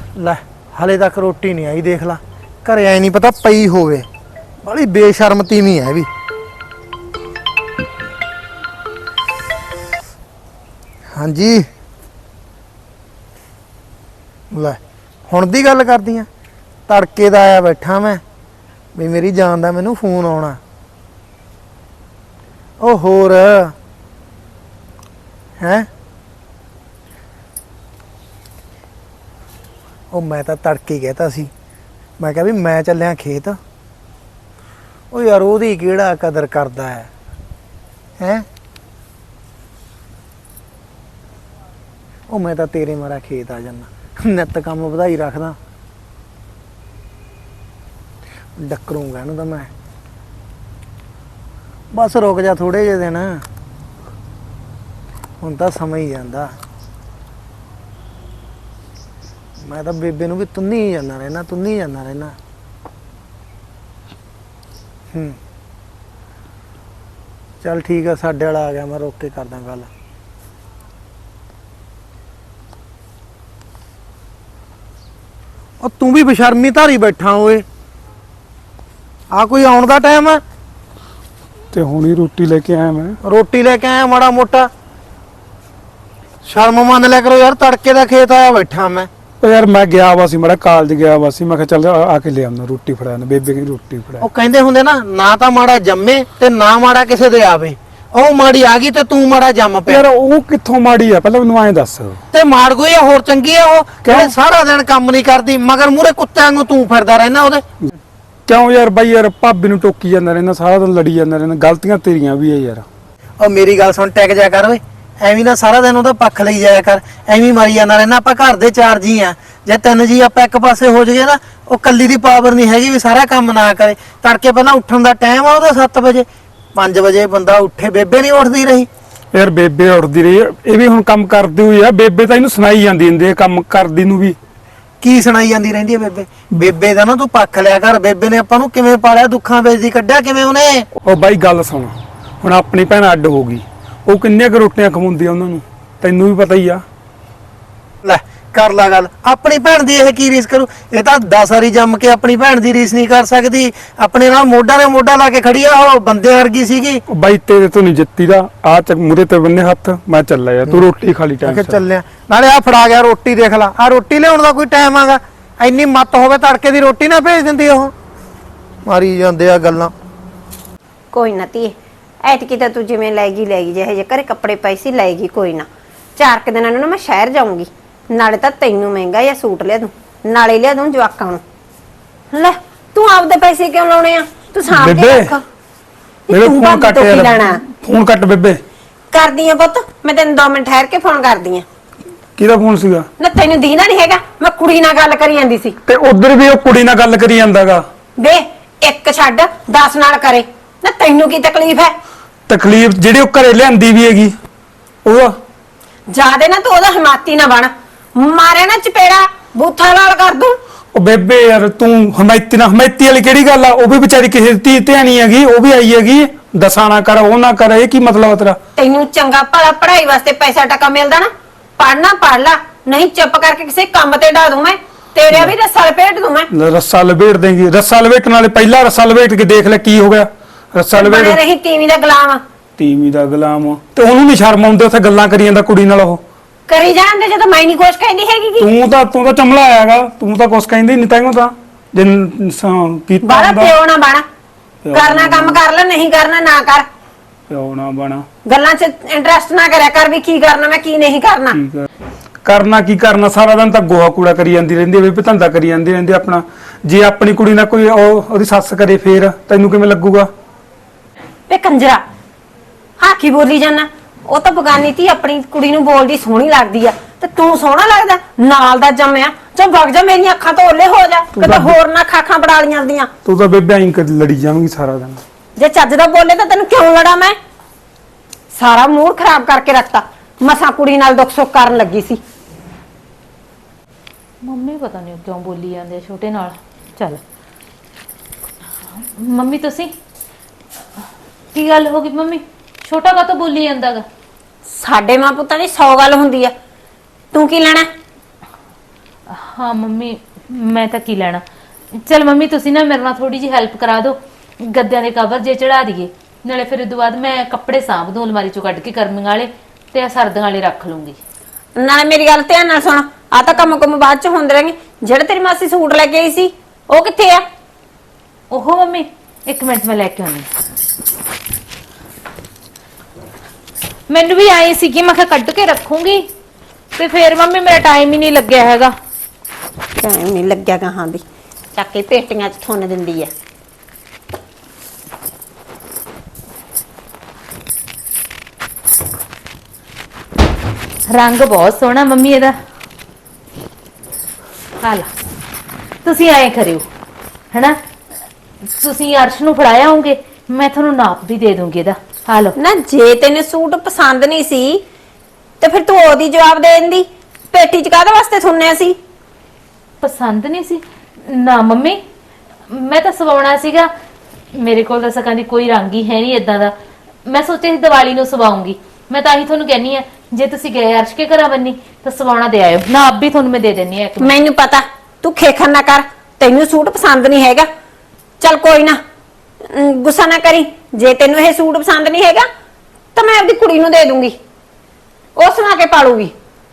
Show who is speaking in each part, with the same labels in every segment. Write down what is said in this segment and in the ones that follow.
Speaker 1: ਲੈ ਹਲੇ ਤੱਕ ਰੋਟੀ ਨਹੀਂ ਆਈ। ਦੇਖ ਲਾ ਘਰੇ ਐ ਨਹੀਂ ਪਤਾ ਪਈ ਹੋਵੇ। ਬੜੀ ਬੇਸ਼ਰਮ ਤੀਵੀਂ ਹੈ ਵੀ। ਹਾਂਜੀ ਲੈ ਹੁਣ ਦੀ ਗੱਲ ਕਰਦੀ ਆ। ਤੜਕੇ ਦਾ ਆਇਆ ਬੈਠਾ ਮੈਂ ਵੀ ਮੇਰੀ ਜਾਨ ਦਾ ਮੈਨੂੰ ਫੋਨ ਆਉਣਾ। ਉਹ ਹੋਰ ਹੈ ਉਹ ਮੈਂ ਤਾਂ ਤੜਕੇ ਹੀ ਕਹਿਤਾ ਸੀ। ਮੈਂ ਕਿਹਾ ਵੀ ਮੈਂ ਚੱਲਿਆ ਖੇਤ। ਉਹ ਯਾਰ ਉਹਦੀ ਕਿਹੜਾ ਕਦਰ ਕਰਦਾ ਹੈ ਉਹ ਮੈਂ ਤਾਂ ਤੇਰੇ ਮਾਰਾ ਖੇਤ ਆ ਜਾਨਾ। ਨਿੱਤ ਕੰਮ ਵਧਾਈ ਰੱਖਦਾ। ਡੱਕਰੂੰਗਾ ਇਹਨੂੰ ਤਾਂ ਮੈਂ। ਬਸ ਰੁਕ ਜਾ ਥੋੜੇ ਜਿਹੇ ਦਿਨ। ਹੁਣ ਤਾਂ ਸਮਾਂ ਹੀ ਜਾਂਦਾ। ਮੈਂ ਤਾਂ ਬੇਬੇ ਨੂੰ ਵੀ ਤੁੰਨੀ ਜਾਂਦਾ ਰਹਿਣਾ। ਚੱਲ ਠੀਕ ਆ, ਸਾਡੇ ਵਾਲਾ ਆ ਗਿਆ। ਮੈਂ ਰੋਕ ਕੇ ਕਰਦਾ ਗੱਲ। ਉਹ ਤੂੰ ਵੀ ਬੇਸ਼ਰਮੀ ਧਾਰੀ ਬੈਠਾ ਓਏ। ਆ ਕੋਈ ਆਉਣ ਦਾ ਟਾਈਮ ਆ
Speaker 2: ਤੇ ਹੁਣੀ ਰੋਟੀ ਲੈ ਕੇ ਆਇਆ ਮੈਂ।
Speaker 1: ਰੋਟੀ ਲੈ ਕੇ ਆਇਆ ਮਾੜਾ ਮੋਟਾ ਸ਼ਰਮ ਮੰਨ ਲਿਆ ਕਰੋ ਯਾਰ। ਤੜਕੇ ਦਾ ਖੇਤ ਆਇਆ ਬੈਠਾ ਮੈਂ।
Speaker 2: ਉਹ ਯਾਰ ਮੈਂ ਗਿਆ ਵਾ ਸੀ, ਮਾੜਾ ਕਾਲਜ ਗਿਆ ਵਾ ਸੀ। ਮੈਂ ਕਿਹਾ ਚੱਲ ਆ ਕੇ ਲੈ ਆਉਣਾ ਰੋਟੀ ਫੜਾ। ਬੇਬੇ ਕੀ ਰੋਟੀ ਫੜਾ।
Speaker 1: ਉਹ ਕਹਿੰਦੇ ਹੁੰਦੇ ਨਾ ਤਾਂ ਮਾੜਾ ਜੰਮੇ ਤੇ ਨਾ ਮਾੜਾ ਕਿਸੇ ਦੇ ਆਵੇ। ਉਹ ਮਾੜੀ ਆ ਗਈ ਤੇ ਤੂੰ ਮਾੜਾ ਜੰਮ ਪਿਆ।
Speaker 2: ਯਾਰ ਉਹ ਕਿੱਥੋਂ ਮਾੜੀ ਆ ਪਹਿਲਾਂ ਮੈਨੂੰ ਐਂ ਦੱਸ।
Speaker 1: ਤੇ ਮਾੜ ਗਈ ਆ ਹੋਰ ਚੰਗੀ ਆ ਉਹ ਜਿਹੜੇ ਸਾਰਾ ਦਿਨ ਕੰਮ ਨਹੀਂ ਕਰਦੀ ਮਗਰ ਮੂਹਰੇ ਕੁੱਤਿਆਂ ਨੂੰ ਤੂੰ ਫਿਰਦਾ ਰਹਿਣਾ ਉਹਦੇ।
Speaker 2: ਕਿਉਂ ਯਾਰ ਬਾਈ ਯਾਰ ਭਾਬੀ ਨੂੰ ਟੋਕੀ ਜਾਂਦਾ ਰਹਿਣਾ, ਸਾਰਾ ਦਿਨ ਲੜੀ ਜਾਂਦਾ ਰਹਿਣਾ। ਗਲਤੀਆਂ ਤੇਰੀਆਂ ਵੀ ਆ ਯਾਰ।
Speaker 1: ਉਹ ਮੇਰੀ ਗੱਲ ਸੁਣ, ਟਿਕ ਜਾ ਕਰ ਓਏ। ਐਵੇਂ ਨਾ ਸਾਰਾ ਦਿਨ ਉਹਦਾ ਪੱਖ ਲਈ ਜਾਇਆ ਕਰ। ਐਵੇਂ ਮਾਰੀ ਜਾਂਦਾ ਰਹਿਣਾ। ਆਪਾਂ ਘਰ ਦੇ 4 ਜੀ ਆ। ਜੇ 3 ਜੀ ਆਪਾਂ ਇੱਕ ਪਾਸੇ ਹੋ ਜਾਈਏ ਨਾ, ਉਹ ਕੱਲੀ ਦੀ ਪਾਵਰ ਨਹੀਂ ਹੈਗੀ ਵੀ ਸਾਰਾ ਕੰਮ ਨਾ ਕਰੇ। ਤੜਕੇ ਪਹਿਲਾਂ ਉੱਠਣ ਦਾ ਟਾਈਮ ਆ ਉਹਦਾ 7 ਵਜੇ। 5 ਵਜੇ ਬੰਦਾ ਉੱਠੇ। ਬੇਬੇ ਨਹੀਂ ਉੱਠਦੀ ਰਹੀ।
Speaker 2: ਯਾਰ ਬੇਬੇ ਉੱਠਦੀ ਰਹੀ। ਇਹ ਵੀ ਹੁਣ ਕੰਮ ਕਰਦੀ ਹੋਈ ਆ। ਬੇਬੇ ਤਾਂ ਇਹਨੂੰ ਸੁਣਾਈ ਜਾਂਦੀ ਹੁੰਦੀ ਕੰਮ ਕਰਦੀ ਨੂੰ ਵੀ।
Speaker 1: ਕੀ ਸੁਣਾਈ ਜਾਂਦੀ ਰਹਿੰਦੀ ਹੈ ਬੇਬੇ ਦਾ ਨਾ ਤੂੰ ਪੱਖ ਲਿਆ ਕਰ। ਬੇਬੇ ਨੇ ਆਪਾਂ ਨੂੰ ਕਿਵੇਂ ਪਾਲਿਆ, ਦੁੱਖਾਂ ਵਿੱਚ ਦੀ ਕੱਢਿਆ ਕਿਵੇਂ ਉਹਨੇ।
Speaker 2: ਉਹ ਬਾਈ ਗੱਲ ਸੁਣ, ਹੁਣ ਆਪਣੀ ਭੈਣ ਅੱਡ ਹੋ ਗਈ। ਉਹ ਕਿੰਨੀਆਂ ਕੁ ਰੋਟੀਆਂ ਖਵਾਉਂਦੀ ਆ ਉਹਨਾਂ ਨੂੰ, ਤੈਨੂੰ ਵੀ ਪਤਾ ਹੀ ਆ।
Speaker 1: ਲੈ ਕਰ ਲਾ ਗੱਲ। ਆਪਣੀ ਭੈਣ ਦੀ ਇਹ ਕੀ ਰੀਸ ਕਰੂ। ਇਹ ਤਾਂ 10 ਵਾਰੀ ਜੰਮ ਕੇ ਆਪਣੀ ਭੈਣ ਦੀ ਰੀਸ ਨਹੀਂ ਕਰ ਸਕਦੀ। ਆਪਣੇ ਨਾਲ ਮੋਢਾ ਨੇ ਮੋਢਾ ਲਾ ਕੇ ਖੜੀ ਆ। ਉਹ ਬੰਦੇ ਵਰਗੀ ਸੀਗੀ।
Speaker 2: ਉਹ ਬਾਈ ਤੇਰੇ ਤੋਂ ਨਹੀਂ ਜਿੱਤੀ ਦਾ। ਆ ਚੱਕ ਮੂਰੇ ਤੇ ਬੰਨੇ ਹੱਥ। ਮੈਂ ਚੱਲਿਆ ਯਾਰ, ਤੂੰ ਰੋਟੀ ਖਾ ਲਈ ਟਾਈਮ
Speaker 1: ਸਿਰ। ਚੱਲਿਆ ਨਾਲੇ ਆ ਫੜਾ ਗਿਆ ਰੋਟੀ। ਦੇਖ ਲਾ ਆ ਰੋਟੀ ਲਿਆਉਣ ਦਾ ਕੋਈ ਟਾਈਮ ਆਗਾ। ਇੰਨੀ ਮੱਤ ਹੋਵੇ ਤੜਕੇ ਦੀ ਰੋਟੀ ਨਾ ਭੇਜ ਦਿੰਦੀ ਉਹ। ਮਾਰੀ ਜਾਂਦੇ ਆ ਗੱਲਾਂ।
Speaker 3: ਕੋਈ ਨਾ ਧੀਏ, ਐਤਕੀ ਤਾਂ ਤੂੰ ਜਿਵੇਂ ਲੈ ਗਈ ਜਿਹੇ ਜੇ ਘਰੇ ਕੱਪੜੇ ਪਏ ਸੀ ਲੈ ਗਈ। ਕੋਈ ਨਾ 4 ਕੁ ਦਿਨਾਂ ਨੂੰ ਨਾ ਮੈਂ ਸ਼ਹਿਰ ਜਾਊਂਗੀ। ਨਾਲੇ ਤਾਂ ਤੈਨੂੰ ਮਹਿੰਗਾ ਜਿਹਾ ਸੂਟ ਲਿਆ ਦੂੰ, ਨਾਲੇ ਲਿਆ ਦੂੰ ਜਵਾਕਾਂ ਨੂੰ। ਲੈ ਤੂੰ ਆਪਦੇ ਪੈਸੇ ਕਿਉਂ ਲਾਉਣੇ ਆ? ਤੂੰ ਸਾਂਭ ਕੇ ਰੱਖ।
Speaker 2: ਮੇਰੇ ਫੋਨ ਕੱਟ ਯਾਰ। ਫੋਨ ਕੱਟ ਬੇਬੇ।
Speaker 3: ਕਰਦੀ ਆ ਪੁੱਤ, ਮੈਂ ਤੈਨੂੰ 2 ਮਿੰਟ ਠਹਿਰ ਕੇ ਫੋਨ ਕਰਦੀ ਆ।
Speaker 2: ਕਿਹਦਾ ਫੋਨ ਸੀਗਾ?
Speaker 3: ਨਾ ਤੈਨੂੰ ਦੀਨਾ ਨਹੀਂ ਹੈਗਾ? ਮੈਂ ਕੁੜੀ ਨਾਲ ਗੱਲ ਕਰੀ ਜਾਂਦੀ ਸੀ।
Speaker 2: ਤੇ ਉਧਰ ਵੀ ਉਹ ਕੁੜੀ ਨਾਲ ਗੱਲ ਕਰੀ ਜਾਂਦਾਗਾ।
Speaker 3: ਵੇ ਇੱਕ ਛੱਡ 10 ਨਾਲ ਕਰੇ ਨਾ। ਤੈਨੂੰ ਕੀ ਤਕਲੀਫ ਹੈ?
Speaker 2: ਤਕਲੀਫ ਜਿਹੜੀ ਉਹ ਘਰੇ ਲਿਆਂਦੀ ਵੀ ਹੈਗੀ ਉਹਦਾ।
Speaker 3: ਜਾਦੇ ਨਾ ਤੂੰ ਉਹਦਾ ਹਮਾਤੀ ਨਾ ਬਣ। ਮਾਰੇ ਨਾ ਚਪੇੜਾ ਬੂਥਾ ਲਾਲ ਕਰ ਦੂੰ।
Speaker 2: ਉਹ ਬੇਬੇ ਯਾਰ ਤੂੰ ਹਮਾਇਤੀ ਵਾਲੀ ਕਿਹੜੀ ਗੱਲ ਆ? ਉਹ ਵੀ ਵਿਚਾਰੀ ਕਿਸੇ ਦੀ ਧੀ ਧਿਆਣੀ ਹੈਗੀ। ਉਹ ਵੀ ਆਈ ਹੈਗੀ। ਦਸਾਂ ਨਾ ਕਰ, ਉਹ ਨਾ ਕਰ। ਇਹ ਕੀ ਮਤਲਬ ਤੇਰਾ?
Speaker 3: ਤੈਨੂੰ ਚੰਗਾ ਭਲਾ ਪੜ੍ਹਾਈ ਵਾਸਤੇ ਪੈਸਾ ਟਕਾ ਮਿਲਦਾ ਨਾ, ਪੜ੍ਹਨਾ ਪੜ੍ਹ ਲਾ। ਨਹੀਂ ਚੁੱਪ ਕਰਕੇ ਕਿਸੇ ਕੰਮ ਤੇ ਢਾ ਦੂੰ ਮੈਂ। ਤੇਰੇ ਵੀ ਰੱਸਾ ਲਪੇਟ ਦੂੰ ਮੈਂ।
Speaker 2: ਰੱਸਾ ਲਪੇਟ ਦੇਂਗੀ? ਰੱਸਾ ਲਪੇਟਣ ਵਾਲੇ ਪਹਿਲਾਂ ਰੱਸਾ ਲਪੇਟ ਕੇ ਦੇਖ ਲੈ ਕੀ ਹੋ ਗਿਆ। ਰੱਸਾ ਲਪੇਟ
Speaker 3: ਬਣੇ ਰਹੀ ਤੀਵੀਂ ਦਾ ਗੁਲਾਮ।
Speaker 2: ਤੀਵੀਂ ਦਾ ਗੁਲਾਮ। ਤੇ ਉਹਨੂੰ ਨਹੀਂ ਸ਼ਰਮ ਆਉਂਦੀ ਉੱਥੇ ਗੱਲਾਂ ਕਰੀ ਜਾਂਦਾ ਕੁੜੀ ਨਾਲ। ਉਹ
Speaker 3: ਕਰੀ ਜਾਂਦੇ ਜਦੋਂ ਮੈਂ ਨਹੀਂ ਕੁਛ ਕਹਿੰਦੀ ਹੈਗੀ।
Speaker 2: ਤੂੰ ਤਾਂ ਚਮਲਾ ਆਇਆਗਾ। ਤੂੰ ਤਾਂ ਕੁਛ ਕਹਿੰਦੀ ਨਹੀਂ ਤੈਨੂੰ ਤਾਂ ਜੇ ਕੀਤਾ
Speaker 3: ਬਾਹਰ ਪਿਓ ਨਾ ਬਣ। ਕਰਨਾ ਕੰਮ ਕਰ ਲੈ, ਨਹੀਂ ਕਰਨਾ ਨਾ ਕਰ।
Speaker 2: ਪਿਓ ਨਾ ਬਣਾ।
Speaker 3: ਗੱਲਾਂ 'ਚ ਇੰਟਰਸਟ ਨਾ ਕਰਿਆ ਕਰ ਵੀ ਕੀ ਕਰਨਾ ਮੈਂ ਕੀ ਨਹੀਂ ਕਰਨਾ।
Speaker 2: ਕਰਨਾ ਕੀ ਕਰਨਾ? ਸਾਰਾ ਦਿਨ ਤਾਂ ਗੋਹਾ ਕੂੜਾ ਕਰੀ ਜਾਂਦੀ ਰਹਿੰਦੀ ਹੈ, ਧੰਦਾ ਕਰੀ ਜਾਂਦੀ ਰਹਿੰਦੀ ਆਪਣਾ। ਜੇ ਆਪਣੀ ਕੁੜੀ ਨਾਲ ਕੋਈ ਉਹਦੀ ਸੱਸ ਕਰੇ ਫੇਰ ਤੈਨੂੰ ਕਿਵੇਂ ਲੱਗੂਗਾ?
Speaker 3: ਵੇ ਕੰਜਰਾ ਹਾਂ ਕੀ ਬੋਲੀ ਜਾਣਾ? ਉਹ ਤਾਂ ਬਗਾਨੀ ਧੀ ਆਪਣੀ ਕੁੜੀ ਨੂੰ ਬੋਲਦੀ ਸੋਹਣੀ ਲੱਗਦੀ ਆ ਤੇ ਤੂੰ ਸੋਹਣਾ ਲੱਗਦਾ ਨਾਲ ਦਾ ਜੰਮਿਆ। ਚੱਲ ਵਗ ਜਾ, ਮੇਰੀਆਂ ਅੱਖਾਂ ਤੋਂ ਓਲੇ ਹੋ ਜਾ। ਕਿਤੇ ਹੋਰ ਨਾ ਖਾਖਾਂ ਬੜਾ ਲੀਆਂ ਦੀਆਂ।
Speaker 2: ਤੂੰ ਤਾਂ ਬੇਬੇ ਐਂ ਕਦੀ ਲੜੀ ਜਾਵੇਂਗੀ ਸਾਰਾ ਦਿਨ।
Speaker 3: ਜੇ ਚੱਜ ਦਾ ਬੋਲੇ ਤਾਂ ਤੈਨੂੰ ਕਿਉਂ ਲੜਾ ਮੈਂ? ਸਾਰਾ ਮੂਡ ਖਰਾਬ ਕਰਕੇ ਰੱਖਤਾ। ਮਸਾਂ ਕੁੜੀ ਨਾਲ ਦੁੱਖ ਸੁੱਖ ਕਰਨ ਲੱਗੀ ਸੀ।
Speaker 4: ਮੰਮੀ ਪਤਾ ਨਹੀਂ ਕਿਉਂ ਬੋਲੀ ਜਾਂਦੇ ਆ ਛੋਟੇ ਨਾਲ। ਚੱਲ ਮੰਮੀ ਤੁਸੀਂ ਕੀ ਗੱਲ ਹੋ ਗਈ? ਮੰਮੀ ਛੋਟਾ ਕਾਹਤੋਂ ਬੋਲੀ ਜਾਂਦਾਗਾ?
Speaker 3: ਸਾਡੇ ਮਾਂ ਪੁੱਤਾਂ ਦੀ 100 ਗੱਲ ਹੁੰਦੀ ਆ। ਤੂੰ ਕੀ ਲੈਣਾ?
Speaker 4: ਹਾਂ ਮੰਮੀ ਮੈਂ ਤਾਂ ਕੀ ਲੈਣਾ। ਚਲ ਮੰਮੀ ਤੁਸੀਂ ਨਾ ਮੇਰੇ ਨਾਲ ਥੋੜੀ ਜਿਹੀ ਹੈਲਪ ਕਰਾ ਦਿਓ, ਗੱਦਿਆਂ ਦੇ ਕਵਰ ਜੇ ਚੜਾ ਦਈਏ, ਨਾਲੇ ਫਿਰ ਉਦੋਂ ਬਾਅਦ ਮੈਂ ਕੱਪੜੇ ਸਾਂਭ ਦੂੰ ਅਲਮਾਰੀ ਚੋਂ ਕੱਢ ਕੇ ਗਰਮੀਆਂ ਵਾਲੇ ਤੇ ਆ ਸਰਦੀਆਂ ਵਾਲੇ ਰੱਖ ਲੂੰਗੀ।
Speaker 3: ਨਾਲੇ ਮੇਰੀ ਗੱਲ ਧਿਆਨ ਨਾਲ ਸੁਣ, ਆ ਤਾਂ ਕੰਮ ਬਾਅਦ ਚ ਹੁੰਦੇ ਰਹਿਣਗੇ। ਜਿਹੜੇ ਤੇਰੀ ਮਾਸੀ ਸੂਟ ਲੈ ਕੇ ਆਈ ਸੀ ਉਹ ਕਿੱਥੇ ਆ?
Speaker 4: ਓਹੋ ਮੰਮੀ ਇੱਕ ਮਿੰਟ ਮੈਂ ਲੈ ਕੇ ਆਉਂਦੀ। ਮੈਨੂੰ ਵੀ ਆਈ ਸੀ ਕਿ ਮੈਂ ਕਿਹਾ ਕੱਢ ਕੇ ਰੱਖੂੰਗੀ ਤੇ ਫਿਰ ਮੰਮੀ ਮੇਰਾ ਟਾਈਮ ਹੀ ਨਹੀਂ ਲੱਗਿਆ ਹੈਗਾ।
Speaker 3: ਟਾਈਮ ਨਹੀਂ ਲੱਗਿਆ ਗਾਹਾਂ ਦੀ, ਚੱਕ ਕੇ ਪੇਟੀਆਂ 'ਚ ਥੁੰਨ ਦਿੰਦੀ ਆ।
Speaker 4: ਰੰਗ ਬਹੁਤ ਸੋਹਣਾ ਮੰਮੀ ਇਹਦਾ। ਹਾਲਾ ਤੁਸੀਂ ਐਂ ਕਰਿਓ ਹੈਨਾ, ਤੁਸੀਂ ਅਰਸ਼ ਨੂੰ ਫੜਾਇਆ ਹੋਗੇ, ਮੈਂ ਤੁਹਾਨੂੰ ਨਾਪ ਵੀ ਦੇ ਦੂੰਗੀ ਇਹਦਾ। ਹਾਲੋ
Speaker 3: ਨਾ ਜੇ ਤੈਨੂੰ ਸੂਟ ਪਸੰਦ ਨਹੀਂ ਸੀ ਤੇ ਫਿਰ ਤੂੰ ਉਹਦੀ ਜਵਾਬ ਦੇ ਦਿੰਦੀ, ਪੇਟੀ 'ਚ ਕਾਹਦੇ ਵਾਸਤੇ ਥੁੰਨਿਆ ਸੀ?
Speaker 4: ਪਸੰਦ ਨਹੀਂ ਸੀ ਨਾ ਮੰਮੀ, ਮੈਂ ਤਾਂ ਸਵਾਉਣਾ ਸੀਗਾ, ਮੇਰੇ ਕੋਲ ਤਾਂ ਸਕਾਂ ਦੀ ਕੋਈ ਰੰਗ ਹੀ ਹੈ ਨਹੀਂ ਇਦਾਂ ਦਾ। ਮੈਂ ਸੋਚਿਆ ਸੀ ਦੀਵਾਲੀ ਨੂੰ ਸਵਾਉਂਗੀ, ਮੈਂ ਤਾਂ ਹੀ ਤੁਹਾਨੂੰ ਕਹਿੰਨੀ ਆ ਜੇ ਤੁਸੀਂ ਗਏ ਅਰਸ਼ ਕੇ ਘਰਾਂ ਬੰਨੀ ਤਾਂ ਸਵਾਉਣਾ ਦੇ ਆਇਓ, ਨਾ ਆਪ ਵੀ ਤੁਹਾਨੂੰ ਮੈਂ ਦੇ ਦਿੰਨੀ ਆ।
Speaker 3: ਮੈਨੂੰ ਪਤਾ ਤੂੰ ਖੇਖਣ ਨਾ ਕਰ, ਤੈਨੂੰ ਸੂਟ ਪਸੰਦ ਨਹੀਂ ਹੈਗਾ। ਚੱਲ ਕੋਈ ਨਾ, ਗੁੱਸਾ ਨਾ ਕਰੀ। ਜੇ ਤੈਨੂੰ ਇਹ ਸੂਟ ਪਸੰਦ ਨਹੀਂ ਹੈਗਾ ਤਾਂ ਮੈਂ ਆਪਦੀ ਕੁੜੀ ਨੂੰ ਦੇ ਦੂੰਗੀ, ਉਹ ਸਵਾ ਕੇ ਪਾਲੂਗੀ।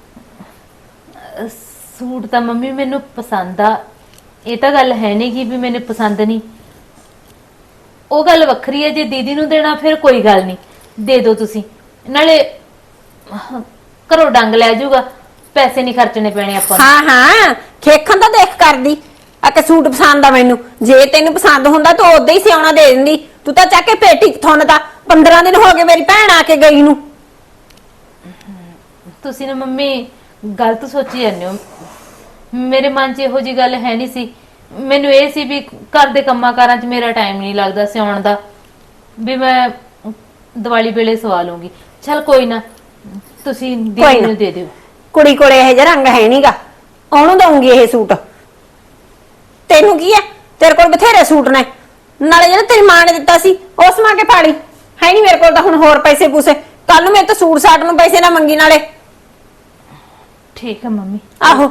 Speaker 4: ਸੂਟ ਤਾਂ ਮੰਮੀ ਮੈਨੂੰ ਪਸੰਦ ਆ, ਇਹ ਤਾਂ ਗੱਲ ਹੈ ਨਹੀਂ ਕਿ ਵੀ ਮੈਨੂੰ ਪਸੰਦ ਨਹੀਂ, ਉਹ ਗੱਲ ਵੱਖਰੀ ਹੈ। ਜੇ ਦੀਦੀ ਨੂੰ ਦੇਣਾ ਫਿਰ ਕੋਈ ਗੱਲ ਨਹੀਂ, ਦੇ ਦਿਓ ਤੁਸੀਂ, ਨਾਲੇ ਘਰੋਂ ਡੰਗ ਲੈ ਜਾਊਗਾ, ਪੈਸੇ ਨਹੀਂ ਖਰਚਣੇ ਪੈਣੇ ਆਪਾਂ ਨੂੰ।
Speaker 3: ਹਾਂ ਹਾਂ, ਖੇਖਣ ਤਾਂ ਦੇਖ ਕਰਦੀ ਆ ਕਿ ਸੂਟ ਪਸੰਦ ਆ ਮੈਨੂੰ। ਜੇ ਤੈਨੂੰ ਪਸੰਦ ਹੁੰਦਾ ਤਾਂ ਉਦਾਂ ਹੀ ਸਿਆਉਣਾ ਦੇ ਦਿੰਦੀ, ਤੂੰ ਤਾਂ ਚੱਕ ਕੇ ਪੇਟੀ 'ਚ ਥੁੰਨਦਾ। 15 ਦਿਨ ਹੋ ਗਏ ਮੇਰੀ ਭੈਣ ਆ ਕੇ ਗਈ ਨੂੰ।
Speaker 4: ਤੁਸੀਂ ਨਾ ਮੰਮੀ ਗਲਤ ਸੋਚੀ ਜਾਂਦੇ ਹੋ, ਮੇਰੇ ਮਨ 'ਚ ਇਹੋ ਜੀ ਗੱਲ ਹੈ ਨਹੀਂ ਸੀ। ਮੈਨੂੰ ਇਹ ਸੀ ਵੀ ਘਰ ਦੇ ਕੰਮਾਂ ਕਾਰਾਂ 'ਚ ਮੇਰਾ ਟਾਈਮ ਨਹੀਂ ਲੱਗਦਾ ਸਿਆਉਣ ਦਾ, ਵੀ ਮੈਂ ਦੀਵਾਲੀ ਵੇਲੇ ਸਵਾ ਲੂੰਗੀ। ਚਲ ਕੋਈ ਨਾ, ਤੁਸੀਂ ਦੀਦੀ ਨੂੰ ਦੇ ਦਿਓ।
Speaker 3: ਕੁੜੀ ਕੋਲੇ ਇਹ ਜਿਹਾ ਰੰਗ ਹੈ ਨਹੀਂਗਾ, ਉਹਨੂੰ ਦਊਂਗੀ ਇਹ ਸੂਟ। ਤੈਨੂੰ ਕੀ ਹੈ, ਤੇਰੇ ਕੋਲ ਬਥੇਰੇ ਸੂਟ ਨੇ, ਨਾਲੇ ਜਿਹੜਾ ਤੇਰੀ ਮਾਂ ਨੇ ਦਿੱਤਾ ਸੀ ਉਹ ਸਮਾ ਕੇ ਫਾੜੀ ਹੈ ਨਹੀਂ ਮੇਰੇ ਕੋਲ ਤਾਂ ਹੁਣ ਹੋਰ ਪੈਸੇ ਪੂਸੇ। ਕੱਲ ਨੂੰ ਮੇਰੇ ਤੋਂ ਸੂਟ ਸਾਟ ਨੂੰ ਪੈਸੇ ਨਾ ਮੰਗੀ ਨਾਲੇ।
Speaker 4: ਠੀਕ ਹੈ ਮੰਮੀ।
Speaker 3: ਆਹੋ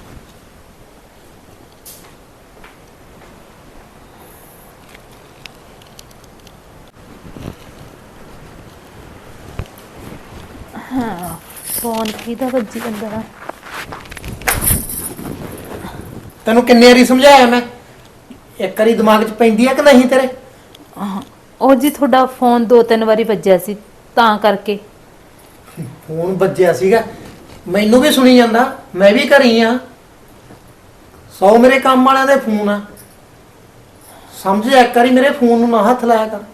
Speaker 4: ਹਾਂ, ਫੋਨ ਕਿਹਦਾ ਵੱਜੀ ਜਾਂਦਾ?
Speaker 1: ਤੈਨੂੰ ਕਿੰਨੇ ਵਾਰੀ ਸਮਝਾਇਆ ਮੈਂ, ਇੱਕ ਵਾਰੀ ਦਿਮਾਗ 'ਚ ਪੈਂਦੀ ਆ ਕਿ ਨਹੀਂ ਤੇਰੇ?
Speaker 4: ਉਹ ਜੀ ਤੁਹਾਡਾ ਫੋਨ 2-3 ਵਾਰੀ ਵੱਜਿਆ ਸੀ ਤਾਂ ਕਰਕੇ।
Speaker 1: ਫੋਨ ਵੱਜਿਆ ਸੀਗਾ, ਮੈਨੂੰ ਵੀ ਸੁਣੀ ਜਾਂਦਾ, ਮੈਂ ਵੀ ਘਰੀ ਆ। 100 ਮੇਰੇ ਕੰਮ ਵਾਲਿਆਂ ਦੇ ਫੋਨ ਆ, ਸਮਝ ਇੱਕ ਵਾਰੀ ਮੇਰੇ ਫੋਨ ਨੂੰ ਨਾ ਹੱਥ ਲਾਇਆ ਕਰ।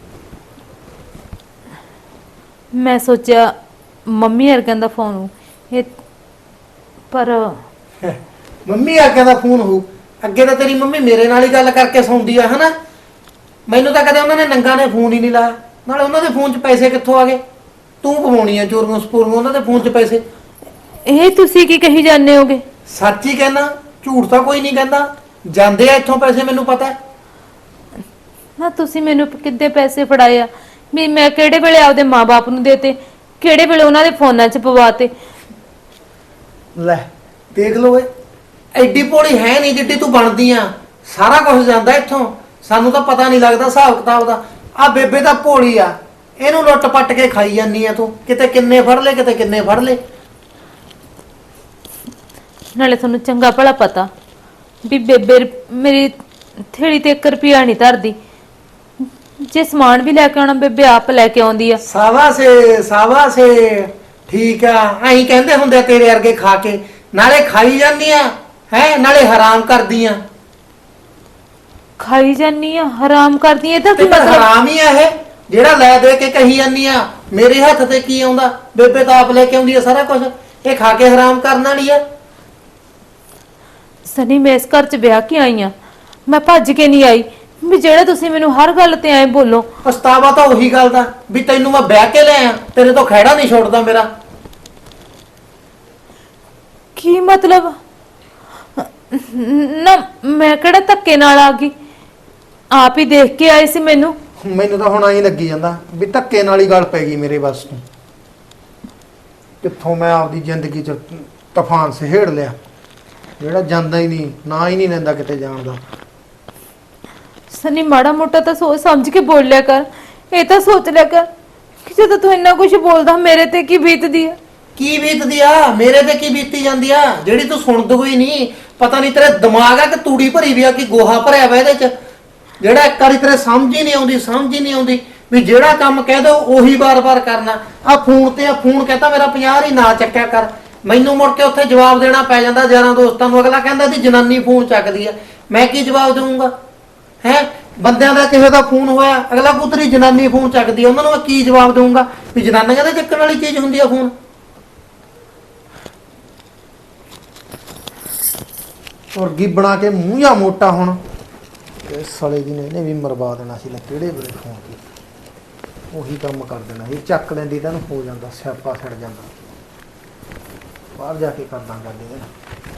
Speaker 4: ਮੈਂ ਸੋਚਿਆ ਮੰਮੀ ਵਰਗਿਆਂ ਦਾ ਫੋਨ ਇਹ, ਪਰ
Speaker 1: ਮੰਮੀ ਆਖਿਆ ਦਾ ਫੋਨ ਹੋਊ। ਅੱਗੇ ਤਾਂ ਤੇਰੀ ਮੰਮੀ ਮੇਰੇ ਨਾਲ ਹੀ ਗੱਲ ਕਰਕੇ ਸੌਂਦੀ ਆ ਹਨਾ, ਮੈਨੂੰ ਤਾਂ ਕਦੇ ਉਹਨਾਂ ਨੇ ਨੰਗਾ ਨੇ ਫੋਨ ਹੀ ਨਹੀਂ ਲਾਇਆ। ਨਾਲੇ ਉਹਨਾਂ ਦੇ ਫੋਨ 'ਚ ਪੈਸੇ ਕਿੱਥੋਂ ਆ ਗਏ? ਤੂੰ ਪਵਾਉਣੀ ਆ ਚੋਰੀਆਂ ਸਪੋਰੀਆਂ ਉਹਨਾਂ ਦੇ ਫੋਨ 'ਚ ਪੈਸੇ।
Speaker 4: ਇਹ ਤੁਸੀਂ ਕੀ ਕਹੀ ਜਾਂਦੇ ਹੋਗੇ?
Speaker 1: ਸੱਚ ਹੀ ਕਹਿਣਾ, ਝੂਠ ਤਾਂ ਕੋਈ ਨਹੀਂ ਕਹਿੰਦਾ। ਜਾਂਦੇ ਆ ਇੱਥੋਂ ਪੈਸੇ, ਮੈਨੂੰ ਪਤਾ ਹੈ।
Speaker 4: ਨਾ ਤੁਸੀਂ ਮੈਨੂੰ ਕਿੱਦੇ ਪੈਸੇ ਫੜਾਏ ਆ? ਵੀ ਮੈਂ ਕਿਹੜੇ ਵੇਲੇ ਆਪਦੇ ਮਾਪੇ ਨੂੰ ਦੇਤੇ, ਕਿਹੜੇ ਵੇਲੇ ਉਹਨਾਂ ਦੇ ਫੋਨਾਂ 'ਚ ਪਵਾਤੇ?
Speaker 1: ਲੈ ਦੇਖ ਲੋ ਏ, ਐਡੀ ਭੋਲੀ ਹੈ ਨਹੀਂ ਜਿੱਡੀ ਤੂੰ ਬਣਦੀ ਆ। ਸਾਰਾ ਕੁਝ ਜਾਂਦਾ ਇੱਥੋਂ, ਸਾਨੂੰ ਤਾਂ ਪਤਾ ਨਹੀਂ ਲੱਗਦਾ ਹਿਸਾਬ ਕਿਤਾਬ ਦਾ। ਆ ਬੇਬੇ ਤਾਂ ਭੋਲੀ ਆ, ਇਹਨੂੰ ਲੁੱਟ ਪੱਟ ਕੇ ਖਾਈ ਜਾਂਦੀ ਆ ਤੂੰ। ਕਿਤੇ ਕਿੰਨੇ ਫੜ ਲੈ, ਕਿਤੇ ਕਿੰਨੇ ਫੜ ਲੈ।
Speaker 4: ਨਾਲੇ ਤੁਹਾਨੂੰ ਚੰਗਾ ਭਲਾ ਪਤਾ ਵੀ ਬੇਬੇ ਮੇਰੀ ਥੇੜੀ ਤੇ 1 ਰੁਪਿਆ ਨਹੀਂ ਧਰਦੀ। ਜੇ ਸਮਾਨ ਵੀ ਲੈ ਕੇ ਆਉਣਾ ਬੇਬੇ ਆਪ ਲੈ ਕੇ ਆਉਂਦੀ ਆ।
Speaker 1: ਸਾਵਾਸੇ ਠੀਕ ਆ। ਐਂ ਕਹਿੰਦੇ ਹੁੰਦੇ ਆ ਤੇਰੇ ਵਰਗੇ ਖਾ ਕੇ, ਨਾਲੇ ਖਾਈ ਜਾਂਦੀ ਆ ਹੈ, ਨਾਲੇ ਹਰਾਮ ਕਰਦੀ ਆ।
Speaker 4: ਖਾਈ ਜਾਨੀ ਆ, ਹਰਾਮ ਕਰਦੀ ਆ, ਇਹਦਾ
Speaker 1: ਤੇ
Speaker 4: ਕੀ ਮਤਲਬ?
Speaker 1: ਹਰਾਮ ਹੀ ਆ ਇਹ, ਜਿਹੜਾ ਲੈ ਦੇ ਕੇ ਕਹੀ ਜਾਂਦੀ ਆ ਮੇਰੇ ਹੱਥ ਤੇ ਕੀ ਆਉਂਦਾ। ਬੇਬੇ ਤਾਂ ਆਪ ਲੈ ਕੇ ਆਉਂਦੀ ਆ ਸਾਰਾ ਕੁਝ, ਇਹ ਖਾ ਕੇ ਹਰਾਮ ਕਰਨ ਵਾਲੀ ਆ।
Speaker 4: ਸਨੀ ਮੈਂ ਇਸ ਘਰ 'ਚ ਵਿਆਹ ਕੇ ਆਈ ਆ, ਮੈਂ ਭੱਜ ਕੇ ਨਹੀਂ ਆਈ ਵੀ ਜਿਹੜਾ ਤੁਸੀਂ ਮੈਨੂੰ ਹਰ ਗੱਲ ਤੇ ਐਂ ਬੋਲੋ।
Speaker 1: ਪਛਤਾਵਾ ਤਾਂ ਉਹੀ ਗੱਲ ਦਾ ਵੀ ਤੈਨੂੰ ਮੈਂ ਵਿਆਹ ਕੇ ਲੈ ਆ, ਤੇਰੇ ਤੋਂ ਖਹਿੜਾ ਨਹੀਂ ਛੋੜਦਾ ਮੇਰਾ।
Speaker 4: ਕੀ ਮਤਲਬ? ਨਾ ਮੈਂ ਕਿਹੜਾ ਧੱਕੇ ਨਾਲ ਆ ਗਈ, ਆਪ ਹੀ ਦੇਖ ਕੇ ਆਏ ਸੀ ਮੈਨੂੰ।
Speaker 1: ਮੈਨੂੰ ਤਾਂ ਹੁਣ ਐਂ ਲੱਗੀ ਜਾਂਦਾ ਵੀ ਧੱਕੇ ਨਾਲ ਹੀ ਗੱਲ ਪੈ ਗਈ ਮੇਰੇ ਬਸ ਤੋਂ। ਕਿੱਥੋਂ ਮੈਂ ਆਪਦੀ ਜ਼ਿੰਦਗੀ 'ਚ ਤੂਫਾਨ ਸਹੇੜ ਲਿਆ। ਜਿਹੜਾ ਜਾਂਦਾ ਹੀ ਨਹੀਂ, ਨਾ ਹੀ ਨਹੀਂ ਲੈਂਦਾ ਕਿਤੇ ਜਾਣ ਦਾ।
Speaker 4: ਸਨੀ ਮਾੜਾ ਮੋਟਾ ਤਾਂ ਸੋਚ ਸਮਝ ਕੇ ਬੋਲਿਆ ਕਰ। ਇਹ ਤਾਂ ਸੋਚ ਲਿਆ ਕਰ ਕਿ ਜਦੋਂ ਤੂੰ ਇੰਨਾ ਕੁਝ ਬੋਲਦਾ ਮੇਰੇ ਤੇ ਕੀ ਬੀਤਦੀ ਆ।
Speaker 1: ਕੀ ਬੀਤਦੀ ਆ? ਮੇਰੇ ਤੇ ਕੀ ਬੀਤੀ ਜਾਂਦੀ ਆ ਜਿਹੜੀ ਤੂੰ ਸੁਣਦਾ ਹੀ ਨਹੀਂ? ਪਤਾ ਨਹੀਂ ਤੇਰੇ ਦਿਮਾਗ ਆ ਕਿ ਤੂੜੀ ਭਰੀ ਵੀ ਆ ਕਿ ਗੋਹਾ ਭਰਿਆ ਵਾ ਇਹਦੇ ਚ, ਜਿਹੜਾ ਇੱਕ ਵਾਰੀ ਤੇਰੇ ਸਮਝ ਹੀ ਨਹੀਂ ਆਉਂਦੀ ਵੀ ਜਿਹੜਾ ਕੰਮ ਕਹਿ ਦੋ ਉਹੀ ਵਾਰ-ਵਾਰ ਕਰਨਾ। ਆ ਫੋਨ ਕਹਤਾ ਮੇਰਾ 50 ਹੀ ਨਾ ਚੱਕਿਆ ਕਰ, ਮੈਨੂੰ ਮੁੜ ਕੇ ਉੱਥੇ ਜਵਾਬ ਦੇਣਾ ਪੈ ਜਾਂਦਾ ਯਾਰਾਂ ਦੋਸਤਾਂ ਨੂੰ। ਅਗਲਾ ਕਹਿੰਦਾ ਦੀ ਜਨਾਨੀ ਫੋਨ ਚੱਕਦੀ ਆ, ਮੈਂ ਕੀ ਜਵਾਬ ਦੇਵਾਂਗਾ? ਹੈ ਬੰਦਿਆਂ ਦਾ ਕਿਸੇ ਦਾ ਫੋਨ ਹੋਇਆ, ਅਗਲਾ ਪੁੱਤਰੀ ਜਨਾਨੀ ਫੋਨ ਚੱਕਦੀ ਆ, ਉਹਨਾਂ ਨੂੰ ਮੈਂ ਕੀ ਜਵਾਬ ਦੇਵਾਂਗਾ ਵੀ ਜਨਾਨੀਆਂ ਦੇ ਚੱਕਣ ਵਾਲੀ ਚੀਜ਼ ਹੁੰਦੀ ਆ ਫੋਨ? ਮੁਰਗੀ ਬਣਾ ਕੇ ਮੂੰਹ ਜਾਂ ਮੋਟਾ ਹੁਣ ਇਸ ਸਾਲੇ ਦੀ ਨੇ ਇਹਨੇ ਵੀ ਮਰਵਾ ਦੇਣਾ ਸੀ। ਲੈ ਕਿਹੜੇ ਵੇਲੇ ਫੋਨ ਕੀ ਉਹੀ ਕੰਮ ਕਰ ਦੇਣਾ ਸੀ, ਚੱਕ ਲੈਂਦੀ ਤਾਂ ਹੋ ਜਾਂਦਾ, ਸਿਆਪਾ ਛੱਡ ਜਾਂਦਾ। ਬਾਹਰ ਜਾ ਕੇ ਕਰਦਾ ਗੱਲ ਇਹਦੇ ਨਾਲ।